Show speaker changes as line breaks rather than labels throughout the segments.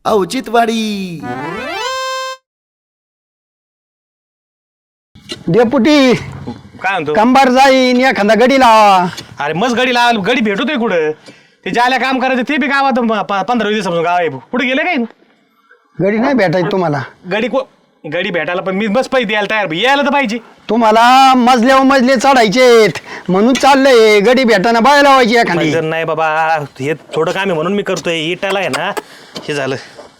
औचित्यवाडी.
Deputy
काय म्हणतो?
कंबार जाईन एखादा गडी लावा.
अरे मस्त गडी लावायला गडी भेटतोय कुठं? ते ज्याला काम करायचं ते बी गावात 15-20 दिवसापासून गाव आहे. कुठे गेले काय?
गडी नाही भेटायची तुम्हाला.
गडी भेटायला पण मी बस पैसे द्यायला तयार. यायला तर पाहिजे.
तुम्हाला मजल्यावर मजले चढायचेत म्हणून चाललंय. गडी भेटाना बाय लावायची एखादी.
जर नाही बाबा हे थोडं काम आहे म्हणून मी करतोय. इटाला आहे ना हे झालं.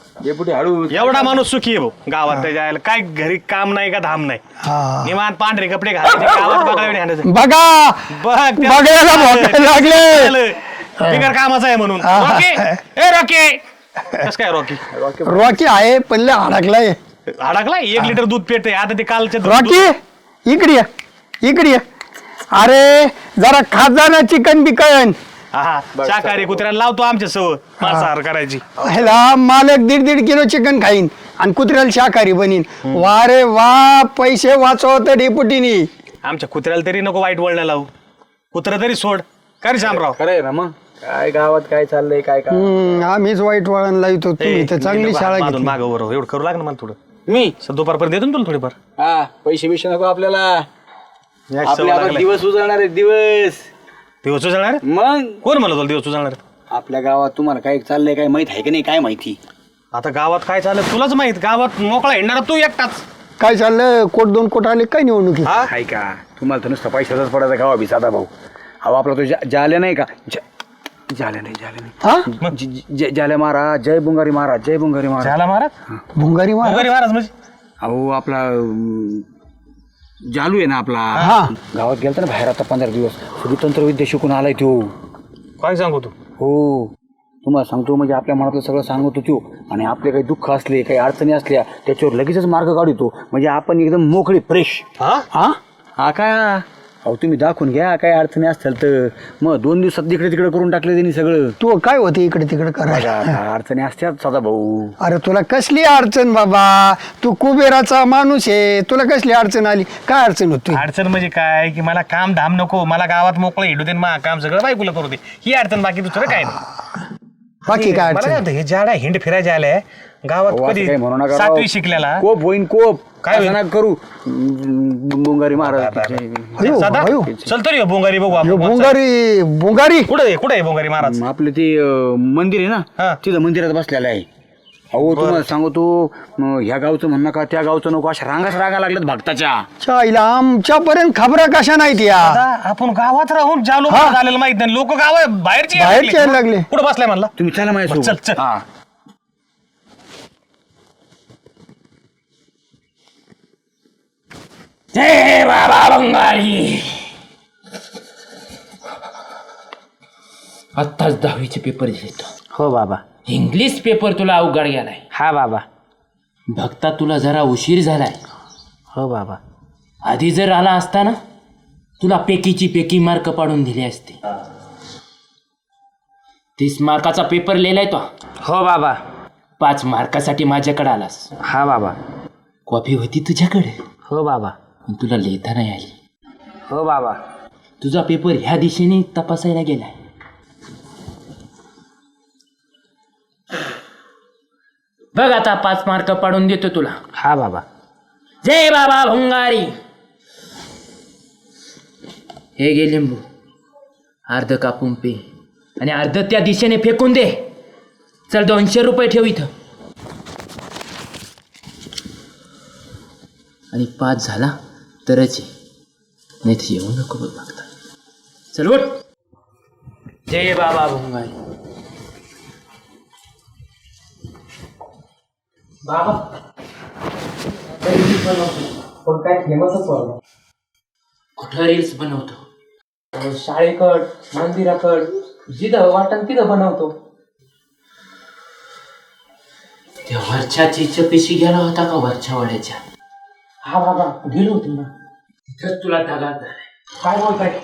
एवढा माणूस सुखी आहे भाऊ गावात. जायला काय घरी काम नाही का धाम नाही. निवांत पांढरे कपडे घालायचे गावात बघायला.
बघा बघायला भोकायला लागले.
बिगर कामाचा आहे म्हणून. रॉकी कस काय रॉकी?
रॉकी आहे पण लय अडकलाय.
अडकलाय 1 लिटर दूध पेटते आता ते कालचे.
रॉकी इकडे ये, इकडे ये. अरे जरा खात जा ना चिकन बिकन.
हा शाकाहारी कुत्र्याला लावतो आमच्या सव मांसाहार करायची.
ह्याला मालक 1.5 किलो चिकन खाईन आणि कुत्र्याला शाकाहारी बनीन. वा रे वा पैसे वाचवत डेपुटीनी.
आमच्या कुत्र्याला तरी नको वाईट वळण लावू. कुत्रा तरी सोड. का रे शामराव?
खरंय ना मग काय गावात काय चाललंय काय काय.
आम्हीच वाईट वळण लावतो. तुम्ही तर चांगली शाळा घेतली.
माग बरोबर एवढं करू लाग ना मला थोडं.
मी
दुपारपर्यंत देतो ना तुला थोडीफार.
हा पैसे बिशे नको आपल्याला.
सवय
आपले आता
लागलाय.
दिवस उजळणार आहेत दिवस.
दिवस उजळणार?
मग
कोण म्हणलं तुला दिवस उजळणार?
आपल्या गावात तुम्हाला काय चाललंय काय माहित आहे का नाही काय माहिती.
आता गावात काय चाललं तुलाच माहित. गावात मोकळा येणार तू एकटाच.
काय चाललं? कोट 2 कोट आले काय निवडणुकी?
आहे का तुम्हाला तर नुसतं पैशाचाच पडायचा गावा बी साधा भाऊ. अहो आपला तो जाल्या नाही का जाल्या नाही जाल्या महाराज. जय बुंगारी महाराज. जय बुंगारी महाराज.
झाला महाराज.
भुंगारी मार.
बुंगारी महाराज म्हणजे
अहो आपला जालू आहे ना आपला. गावात गेलता ना बाहेर आता 15 दिवस. सगळी तंत्रविद्या शिकून आलाय तो.
काय सांगू तू?
हो तुम्हाला सांगतो म्हणजे आपल्या मनातलं सगळं सांगतो तो. आणि आपले काही दुःख असले काही अडचणी असल्या त्याच्यावर लगेचच मार्ग काढतो. म्हणजे आपण एकदम मोकळी फ्रेश. हा काय अहो तुम्ही दाखवून घ्या काय अडचणी असतील तर. मग 2 दिवसात तिकडे तिकडे करून टाकले त्यांनी सगळं.
तू काय होते इकडे तिकडे करायला?
अडचणी असतात सदा भाऊ.
अरे तुला कसली अडचण बाबा? तू कुबेराचा माणूस आहे. तुला कसली अडचण आली? काय अडचण होती?
अडचण म्हणजे काय की मला काम धाम नको. मला गावात मोकळं हिडू दे. मा काम सगळं बायकोला करू दे. ही अडचण. बाकी दुसरं काय नाही.
बाकी काय
मला
अडचण?
काय होतं, हे जाडा हिंड फिरायला आलाय गावात. कधी
काही म्हणू नका
7वी शिकलेला.
कोप होईन कोप.
काय होईन?
असं नका करू. बुंगारी महाराज.
अयो,
सदा
अयो.
चल तरी बोंगारी बघू आपण.
भुंगारी भुंगारी
कुठे आहे बोंगारी महाराज?
आपलं ते मंदिर आहे
हा.
ना तिथं मंदिरात बसलेलं आहे. अहो तुम्हाला सांगतो ह्या गावचं म्हणणं का त्या गावचं नको. अशा रांगा लागल्यात भक्ताच्या.
चायला आमच्यापर्यंत खबरा कशा नाहीत या?
आता आपण गावात राहून ज्या लोक झालेलं माहित नाही. लोक गाव बाहेरचे
बाहेरचे यायला लागले.
कुठं बसलाय म्हणला?
तुम्ही चला माझ्या
चल, चल.
हा
जय बाबा बंगाली. आत्ताच 10वीचे पेपर दिले.
हो बाबा.
इंग्लिश पेपर तुला अवघड गेलाय.
हा बाबा.
भक्ता तुला जरा उशीर झालाय.
हो बाबा.
आधी जर आला असता ना तुला पेकीची पेकी मार्क पाडून दिले असते. 30 मार्काचा पेपर लिहिलाय तो.
हो बाबा.
5 मार्कासाठी माझ्याकडे आलास.
हा बाबा.
कॉपी होती तुझ्याकडे.
हो बाबा.
पण तुला लिहिता नाही आली.
हो बाबा.
तुझा पेपर ह्या दिशेने तपासायला गेलाय. बघ आता 5 मार्क पाडून देतो तुला.
हा बाबा.
जय बाबा भंगारी. हे घे लिंबू. अर्ध कापून पे आणि अर्ध त्या दिशेने फेकून दे. चल 200 रुपये ठेव इथं. आणि 5 झाला तरच नाही तर येऊ नको बघ बघता. चल उठ. जय बाबा भंगारी. बाबा
पण काय फेमसच वाटलं.
कुठं रील्स बनवतो?
शाळेकड मंदिराकड जिथं वाटण तिथं बनवतो.
त्या वरच्या चिचपेशी गेला होता का वरच्या वाड्याच्या?
हा बाबा गेलो होतो ना.
तिथंच तुला दगा झालाय.
काय बोलताय?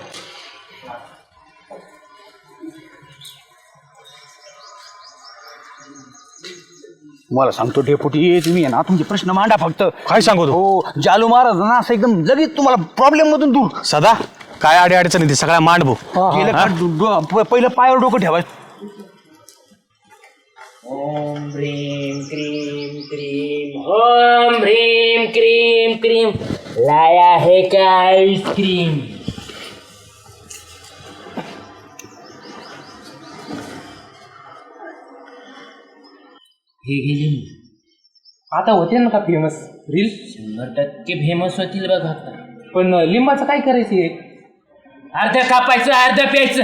मला सांगतो डेपुटी तुम्ही आहे ना तुमचे प्रश्न मांडा फक्त.
काय सांगू तू?
हो जालू महाराज ना असं एकदम लगेच तुम्हाला प्रॉब्लेम मधून दूर.
सदा काय अडी अडचणी ते सगळ्या मांड भाऊ.
पहिलं पायावर डोकं ठेवायचं.
ओम ह्रीम क्रीम क्रीम ओम ह्रीम क्रीम क्रीम लाया है क्या आइसक्रीम. हे गेली
आता होते ना का फेमस रील.
100% फेमस होतील बघ आता.
पण लिंबाचं काय करायचं?
अर्ध कापायचं अर्ध प्यायचं.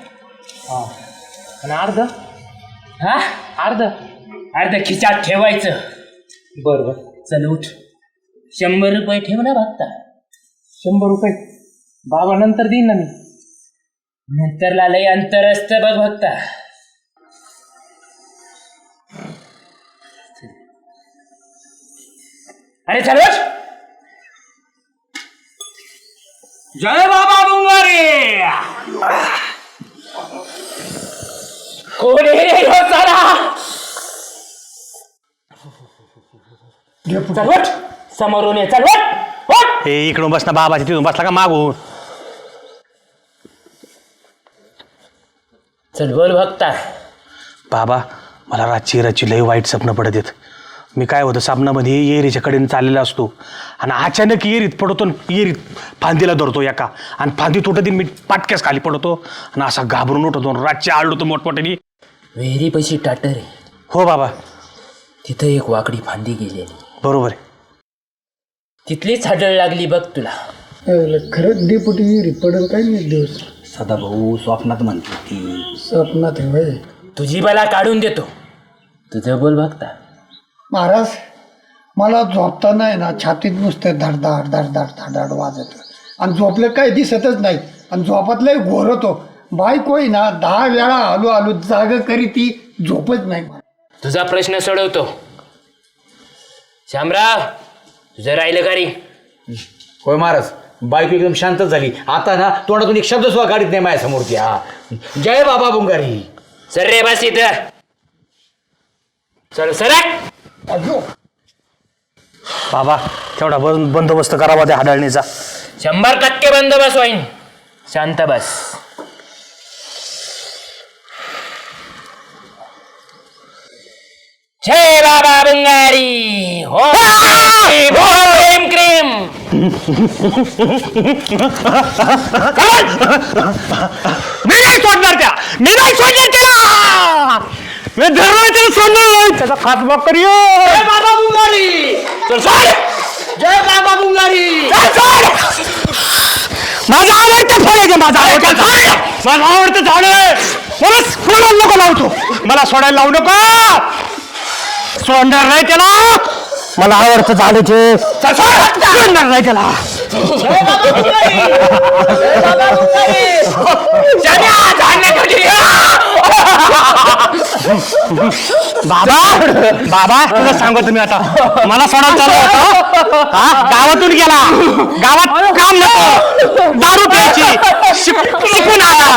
आणि अर्ध
हा अर्ध खिचात ठेवायचं.
बरं.
चल उठ. 100 रुपये ठेव ना बघता.
100 रुपये बाबा नंतर देईन ना मी.
नंतरला लय अंतर असतं बघ बघता. अरे चल उठ. जय बाबा बुंगारे. कोण आहे रे ह्यो साला? चल उठ. समोरून ये. चल उठ.
हे इकडून बस ना बाबाच्या तिथून बसला का मागून.
चल बोल बघता.
बाबा मला रातची लय वाईट स्वप्न पडत आहेत. मी काय होतं साबणामध्ये येरीच्या कडेने चाललेला असतो आणि अचानक येरीत पडतो. येरीत फांदीला धरतो एका आणि फांदी तुटत मी पाटक्यास खाली पडतो आणि असा घाबरून उठतो. रातची आळतो मोठमोठ्याने.
विहिरी पैशी टाटर आहे.
हो बाबा
तिथं एक वाकडी फांदी गेलेली.
बरोबर आहे.
तिथलीच हाडळ लागली बघ तुला.
खरंच डेपुटी पडेल काय नाही दिवस.
सदाभाऊ स्वप्नात म्हणते ती.
स्वप्नात आहे होय.
तुझी बला काढून देतो. तुझं बोल बघता.
महाराज मला झोपताना आहे ना छातीत नुसतं धडधाड धडधाड धडधाड वाजत आणि झोपलं काय दिसतच नाही आणि झोपातलं घोर होतो. बायको आहे ना 10 वेळा आलो जाग करी ती झोपच नाही.
तुझा प्रश्न सोडवतो. श्यामराव तुझं राहिलं का रे?
होय महाराज. बायको एकदम शांतच झाली. आता ना तोंडातून एक शब्द सुद्धा काढीत नाही माझ्यासमोर ती. हा जय बाबा बुंगारी.
सर रे बस इथं. चल सरक.
बाबा तेवढा बंदोबस्त करावा त्या हाडळणीचा.
100% बंदोबस्त होईन. शांत बस. जय बाबा बंगारी. हो क्रीम क्रीम.
मी नाही सोडणार त्या. मी नाही सोडणार त्याला. मी धरणार त्याला सोडणार. त्याचा खातमा करूया.
जय बाबा बुंगारी.
चल सोड.
जय बाबा बुंगारी.
माझं आवडतं फळ आहे. माझं आवडतं झाड आहे. मला सोडायला नको लावतो. मला सोडायला लावू नको. सोडणार नाही त्याला. मला आवडतं झाड आहे. सोडणार नाही त्याला. बाबा बाबा तुला सांगतो मी आता. मला सोडायला चालू होतं. गावातून गेला. गावात काम नको. दारू प्यायची. शिकून आला.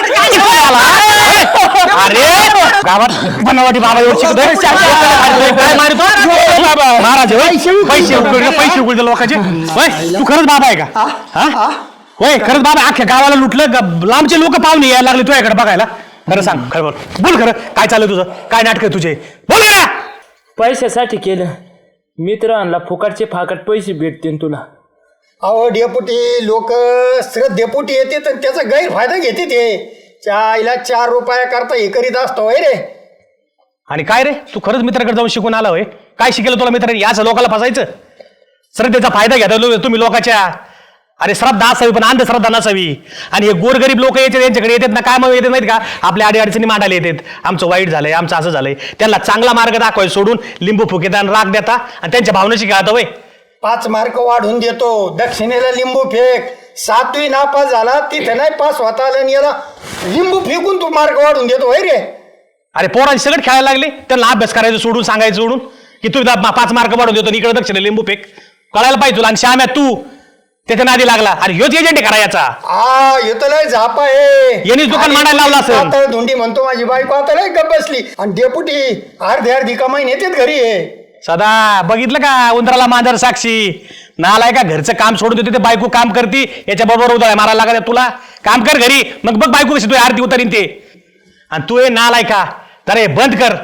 अरे गावात बनवाटी बाबा एवढं शिकतोय. काय मारतो महाराज. पैसे उकळले लोकांचे. तू खरंच बाबा आहे का? होय खरंच बाबा. अख्ख्या गावाला लुटलं. लांबचे लोक पाहुणे यायला लागले तुझ्याकडे बघायला. खरं सांग. खरं बोल खरं. काय चाललं तुझं? काय नाटक आहे तुझे? बोल ना.
पैशासाठी केलं. मित्रांना फुकटचे फाकट पैसे भेटतील तुला.
अहो डेपुटी लोक डेपुटी येते तर त्याचा गैरफायदा घेते ते. चायला 4 रुपया करता हे करीत असतो होय रे.
आणि काय रे तू खरंच मित्राकडे जाऊन शिकून आला होय? काय शिकलं तुला मित्रांनी? याच लोकांना फसायचं. श्रद्धेचा फायदा घ्या तुम्ही लोकांच्या. अरे श्रद्धा असावी पण अंधश्रद्धा नसावी. आणि हे गोरगरीब लोक येतात यांच्याकडे येतात ना. काय मग येतात माहित का? आपल्या अडीअडचणी मांडायला येतात. आमचं वाईट झालंय. आमचं असं झालंय. त्यांना चांगला मार्ग दाखवाय सोडून लिंबू फुकेता आणि राग देता आणि त्यांच्या भावनेशी खेळता होय.
5 मार्क वाढून देतो. दक्षिणेला लिंबू फेक. 7वी नापास झाला तिथे नाही पास होता आला आणि याला लिंबू फेकून तू मार्क वाढून देतो होय रे.
अरे पोरांची सगळं खेळायला लागले. त्यांना अभ्यास करायचं सोडून सांगायचं सोडून की तू 5 मार्क वाढून देतो इकडे दक्षिण लिंबू फेक. कळायला पाहिजे तुला. आणि श्याम्या तू त्याच्या नादी लागला. अरे ह्योच एजंट आहे करायचा.
येतो लय झापा आहे.
यांनीच दुकान मांडायला लावलं असेल.
आता धुंडी म्हणतो माझी बायको आता लय गप्प बसली. आणि डेपुटी अर्धी कमाई येतात घरी आहे.
सदा बघितलं का? उंदराला मांजर साक्षी. नालाय का घरचं काम सोडून देते ते बायको काम करती. याच्या बरोबर उदळ मारायला लागत तुला. काम कर घरी. मग बघ बायको कशी तू आरती उतरीन ते. आणि तू हे नालाय का तर हे बंद कर.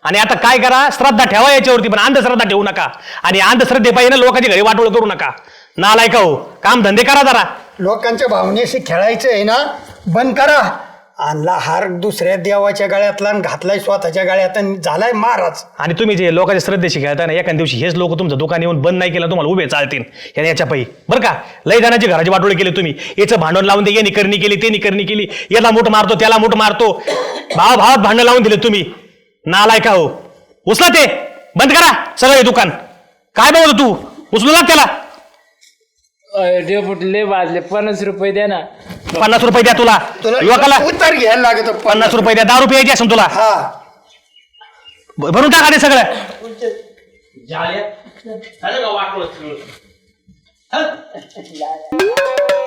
आणि आता काय करा, श्रद्धा ठेवा याच्यावरती, पण अंधश्रद्धा ठेवू नका. आणि अंधश्रद्धे पाहिजे ना लोकांच्या घरी वाटोळ करू नका. नालायका हो, काम धंदे करा जरा.
लोकांच्या भावनेशी खेळायचं आहे ना, बंद करा. आणला हार दुसऱ्या देवाच्या गळ्यातला आणि घातलाय स्वतःच्या गळ्यात आणि झालाय महाराज.
आणि तुम्ही जे लोकांच्या श्रद्धेशी खेळता ना, एखाद्या दिवशी हेच लोक तुमचं दुकान येऊन बंद नाही केलं, तुम्हाला उभे चालतील याच्या पायी. बरं का, लय जणांची घराची वाटोळे केली तुम्ही. याचं भांडण लावून दे, यांनी करणी केली, त्यांनी करणी केली, याला मूठ मारतो, त्याला मूठ मारतो, भावात भांडण लावून दिले तुम्ही. नालायका हो, उचला ते, बंद करा सगळं हे दुकान. काय बघतो तू, उचलू लाग त्याला.
डेपुटी लय वाजले, 50 रुपये द्या ना.
50 रुपये द्या तुला लोकाला.
उतर घ्यायला लागत
50 रुपये द्या, 10 रुपये यायची असेल तुला.
हा
भरून टाका ते सगळं.
झालं का वाटलं?